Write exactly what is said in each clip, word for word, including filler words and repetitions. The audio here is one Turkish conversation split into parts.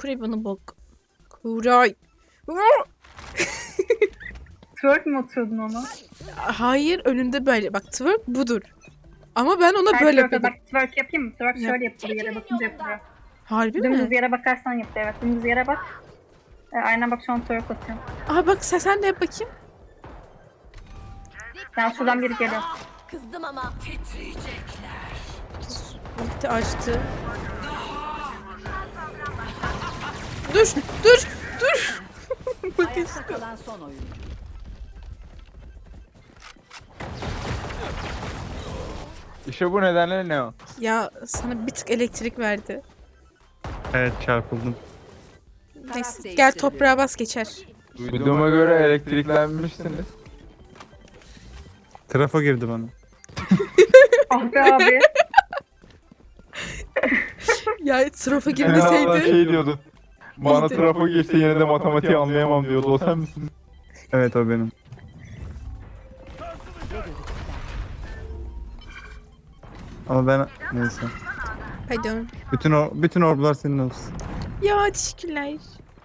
Kuray bana bak. Kuray. Twerk mi atıyordun ona? Hayır önünde böyle. Bak twerk budur. Ama ben ona Hayır, böyle twerk, yapıyordum. bak twerk yapayım mı? Twerk Yap. şöyle yapılıyor, yere bakınca yapılıyor. Harbi Dümdüz mi? yere bakarsan yapıyor, evet. Dümdüz yere bak. E, aynen bak şu an twerk atıyorum. Aa bak sen, sen de yap bakayım. Ben şuradan biri geliyor. Kızdım ama. Titriyecekler. Ulti açtı. Dur dur dur. Bakın. Ayakta kalan son oyuncu. İşte bu nedenle ne o? Ya sana bir tık elektrik verdi. Evet çarpıldım. Neyse gel toprağa bas geçer. Duyduğuma göre elektriklenmişsiniz. Trafo girdi bana. Ah be abi. Ya trafa En girmeseydi. azından şey diyordu. Bana İyiydi. trafo geçse yine de matematiği anlayamam diyordu. O sen misin? Evet o benim. Ama ben neyse. Pardon. Bütün or bütün orblar senin olsun. Ya teşekkürler.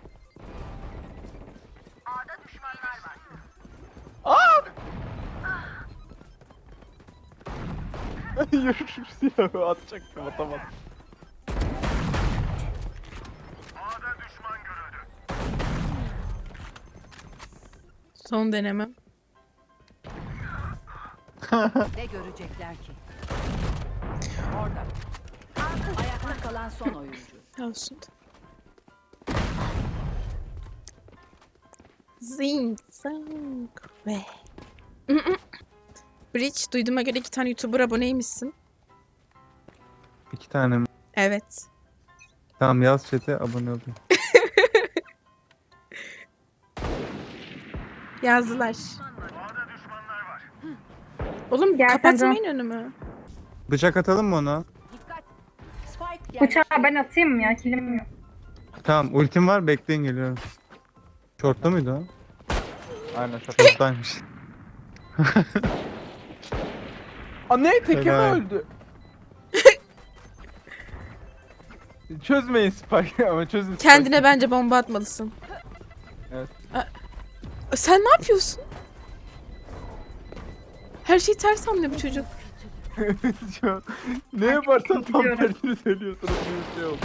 Yürür silahı atacaktım atamadım. Son denemem. Ne görecekler ki? Orada. Ayakta kalan son oyuncu. Olsun. Zing zang ve. Bridge duyduğuma göre iki tane YouTuber aboneymişsin. İki tane mi? Evet. Tamam yaz chat'e abone olayım. Yazdılar. Oğlum Gel sen kapatmayın önümü. Bıçak atalım mı ona? Dikkat. Spike Bıçağı yerleştirildi. ben atayım mı ya? Kilim yok. Tamam ultim var bekleyin geliyorum. Short'ta mıydı o? Aynen şaka. Short'taymış. Aa ne? Teke mi Helal. öldü? Çözmeyin Spike ama çözün Spike. Kendine bence bomba atmalısın. Evet. Aa, sen ne yapıyorsun? Her şeyi ters anlıyor bu çocuk. Şu an ne yaparsan tam gidiyorum. tersini söylüyorsunuz bir şey oldu.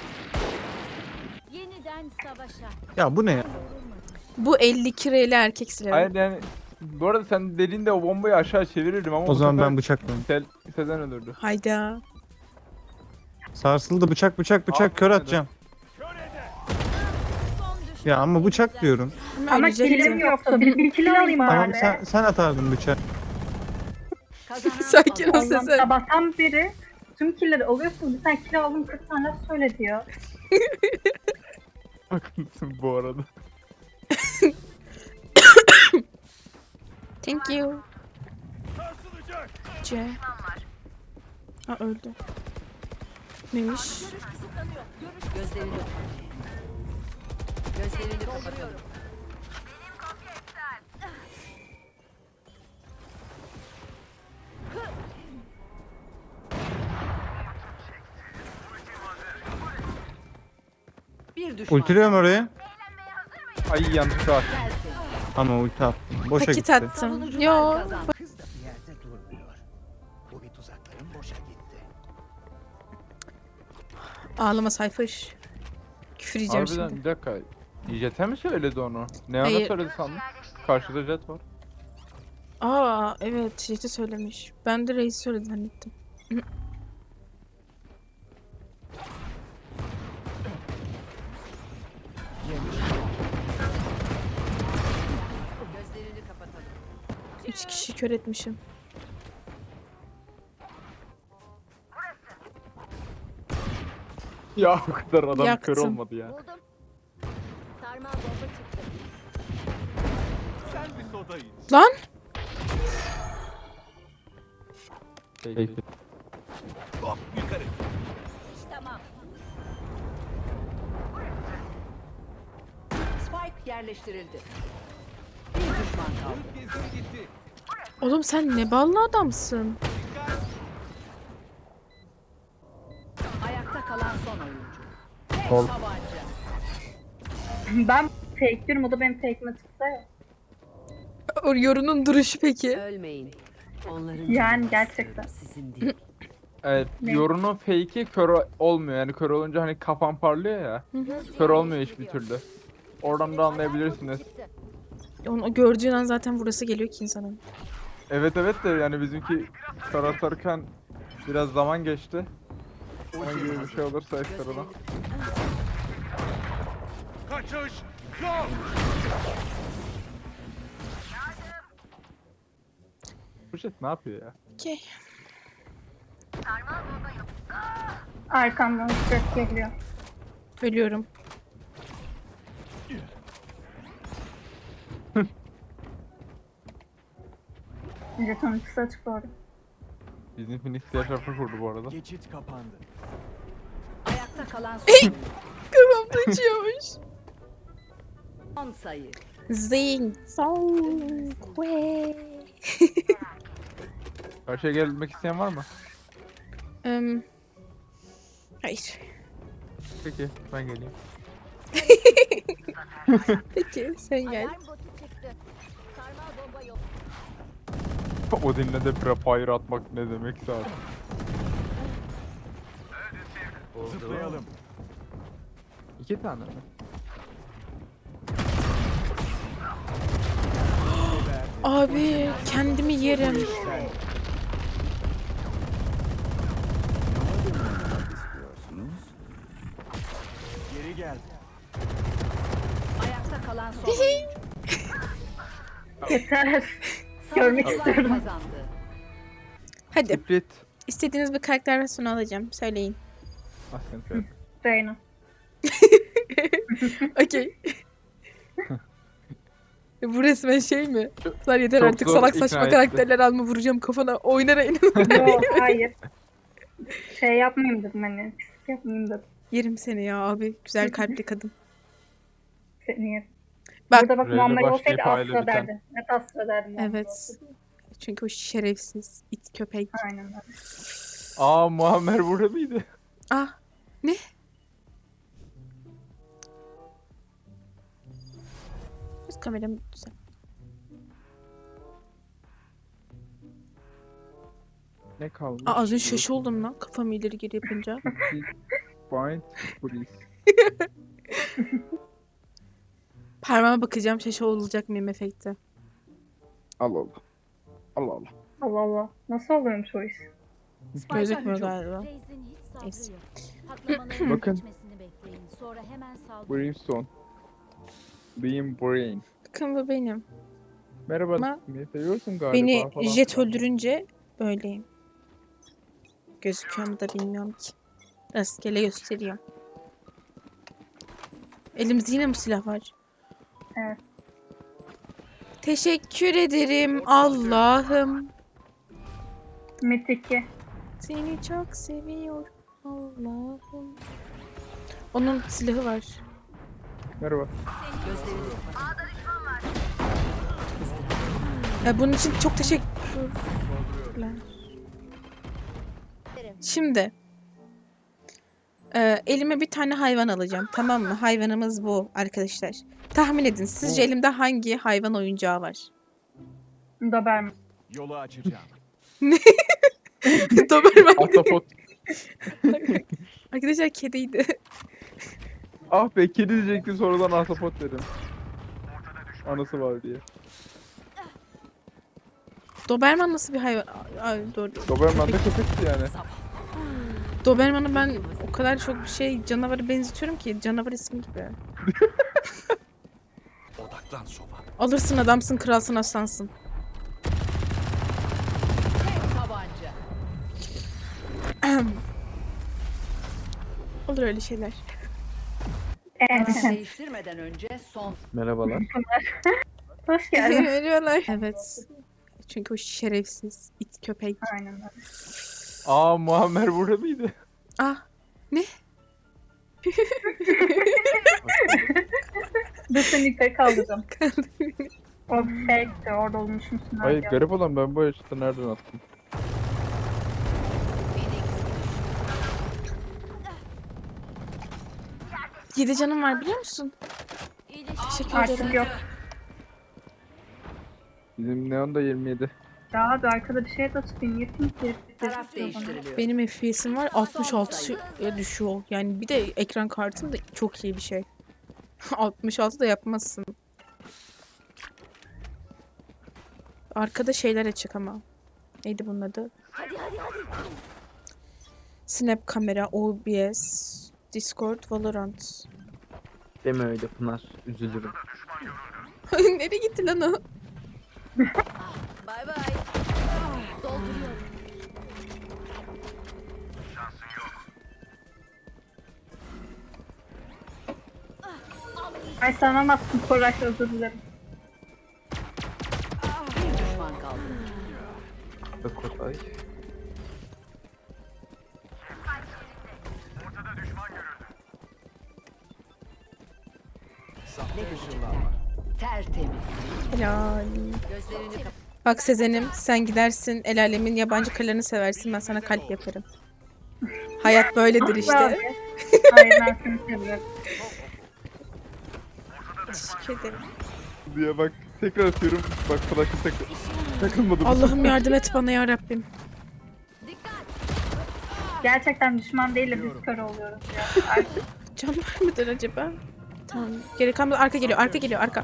Yeniden savaşa. Ya bu ne ya? Bu elli iki reyli erkek silahı. Hayır yani bu arada sen dediğinde o bombayı aşağı çevirirdim ama O bu zaman sefer ben bıçaklayayım. Sel, Sezen öldürdü. Hayda. Sarsıldı bıçak bıçak bıçak Al, kör hadi. atacağım. Ya ama bıçak diyorum. Ama ölecektim. kilim yoktu. Bir, bir kilo alayım Tamam bari. sen sen atardın bıçağı. Kazanan Sakin ol alır. Allah'ım Sezen. sabahtan beri tüm killeri alıyorsun. Bir tane kilo aldım kırk tane laf söyle diyor. Haklısın bu arada. Thank you. C. Aa öldü. Neymiş? Gözlerini Gözlerini kapatıyorum. Bir düşman. Ultiliyorum oraya. Ay yanlışlıkla attım. Gelsin. Ama ulti attım. Boşa Paket gitti. attım. Savunucular Yo. kazandı. Kız da bir yerde durmuyor. Bu bir tuzakların boşa gitti. Ağlama sayfış. Küfür yiyeceğim Harbiden şimdi. bir dakika. Jet'e mi söyledi onu? Ne ana Hayır. söyledi sandım? Karşıda Jet var. Aa evet Jet'i söylemiş. Ben de Reis söyledi zannettim. Gözlerini kapatalım. Üç kişi kör etmişim. Ya o kadar adam Yaktım. kör olmadı ya. Buldum. Sarmal bomba çıktı. Lan! Peki. Tamam. Spike yerleştirildi. Bir düşman kaldı. Oğlum sen ne ballı adamsın. Ayakta kalan son oyuncu. Tek Sol. tabanca. Ben fake diyorum, o da benim fake'ime çıksa ya. O yorunun duruşu peki. Ölmeyin. Onların Yani canı gerçekten. sizin değil. Evet, Ne? yorunun fake'i kör olmuyor. Yani kör olunca hani kafan parlıyor ya. Kör olmuyor hiçbir türlü. Oradan da anlayabilirsiniz. Onu gördüğün an zaten burası geliyor ki insanın. Evet evet de yani bizimki kör atarken biraz zaman geçti. Onun gibi bir şey olursa ekstradan. Kaçış yok. Bu şey ne yapıyor ya? Okey. Arkamdan ses geliyor. Ölüyorum. Jeton ikisi açık doğru. Bizim Phoenix diğer tarafa kurdu bu arada. Geçit kapandı. Ayakta kalan son oyuncu. Kafamda uçuyormuş. Son sayı. Zing. Song. Kwe. Karşıya gelmek isteyen var mı? Em, hayır. Peki ben geleyim. Peki sen gel. Alarm botu çıktı. Sarmal bomba yok. O dinle de prefire atmak ne demekse artık. Zıplayalım. İki tane mi? Abi kendimi yerim. İstiyorsunuz. Geri geldi. Ayakta kalan son oyuncu. Yeter. Görmek Savunucular istiyorum. kazandı. Hadi. Split. İstediğiniz bir karakter versiyonu alacağım. Söyleyin. Aslen söyle. Reyna. Okey. Bu resmen şey mi? Lan yeter çok artık zor salak ikna saçma etti. karakterler alma vuracağım kafana. Oynar oynar. Yok hayır. Şey yapmayayım dedim hani. Pislik yapmayayım dedim. Yerim seni ya abi. Güzel kalpli kadın. Seni yerim. Bak- Burada bak Reyna Muammer başlayıp olsaydı aile asla biten. derdi. Net asla derdi Muammer Evet. olsaydı. Çünkü o şerefsiz it köpek. Aynen öyle. Aa Muammer burada mıydı? Ah ne? Biraz kameramı düzen. Ne kalmış? Aa az önce şaşı oldum lan kafamı ileri geri yapınca. Find police. Parmağıma bakacağım şaşı olacak mıyım efekti. Allah Allah. Allah Allah. Allah Allah. Nasıl oluyormuş o iş? Gözükmüyor galiba. Reis'in hiç Neyse. sabrı yok. Patlamanın Bakın. geçmesini bekleyin. Sonra hemen saldırın. Brimstone. Beam Brain. Bakın bu benim. Merhaba. Ama Beni seviyorsun galiba Beni falan. jet öldürünce böyleyim. Gözüküyor mu da bilmiyorum ki. Rastgele gösteriyor. Elimizde yine mi silah var? Evet. Teşekkür ederim Allah'ım. Mit iki. Seni çok seviyorum Allah'ım. Onun silahı var. Merhaba. Gözlerini kapatın. Ya bunun için çok teşekkürler. Şimdi e, elime bir tane hayvan alacağım. Tamam mı? Hayvanımız bu arkadaşlar. Tahmin edin. Sizce Bu. elimde hangi hayvan oyuncağı var? Doberman. Yolu açacağım. Doberman. Ahtapot. Arkadaşlar kediydi. Ah be kedi diyecektim sonradan ahtapot dedim. Anası var diye. Doberman nasıl bir hayvan? Ay, doğru. Doberman da köpekti yani. Doberman'ı ben o kadar çok bir şey canavara benzetiyorum ki canavar ismi gibi. Odaklan soba. Alırsın adamsın, kralsın, aslansın. Tek tabanca. Olur öyle şeyler. Evet. Değiştirmeden önce son. Merhabalar. Hoş geldin. Veriyorlar. Evet. Çünkü o şerefsiz it köpek. Aynen öyle. Aa Muammer burada mıydı? Ah ne? Dur seni yukarı kaldıracağım. O fake'ti. Orada olmuş musun? Hayır garip olan ben bu yaşta nereden attım? Yedi canım var biliyor musun? Teşekkür Artık ederim. yok. Bizim Neon da yirmi yedi. Ya abi arkada bir şey de tutayım. Yetim ki. Taraf değiştiriliyor. Benim F P S'im var altmış altıya düşüyor. Yani bir de ekran kartım da çok iyi bir şey. altmış altı da yapmazsın. Arkada şeyler açık ama. Neydi bunun adı? Snap kamera, O B S, Discord, Valorant. Deme öyle Pınar. Üzülürüm. Nereye gitti lan o? Bay bay. Dolduruyorum. Ay sanamazsın Koray, özür dilerim. Bir düşman kaldı. Ve Kotay. Ne görecekler? Tertemiz. Helal. Gözlerini kapat. Bak Sezen'im sen gidersin el alemin yabancı kırlarını seversin ben sana kalp yaparım. Hayat böyledir işte. Abi. Hayır, ben seni seviyorum. Teşekkür ederim. Diye bak tekrar atıyorum. Bak flash'ı takıl. Takılmadı bu. Allah'ım yardım et bana ya Rabbim. Gerçekten düşman değil de biz kör oluyoruz ya. Artık Can var mıdır acaba? Tamam. Geri kalmadı. Arka geliyor. Arka geliyor. Arka.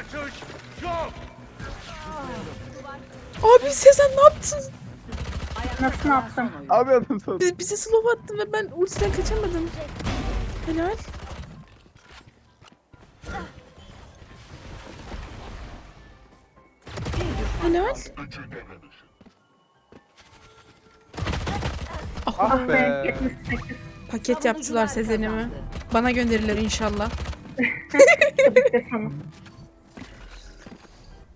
Abi Sezen ne yaptın? nasıl yaptım? Abi adam sana. Bizi, bizi slow attın ve ben ultiden kaçamadım. Helal. Helal. Ah, Ah Ve be. yetmiş sekiz. paket yaptılar Sezen'imi. Bana gönderirler inşallah. Tabii ki de sana.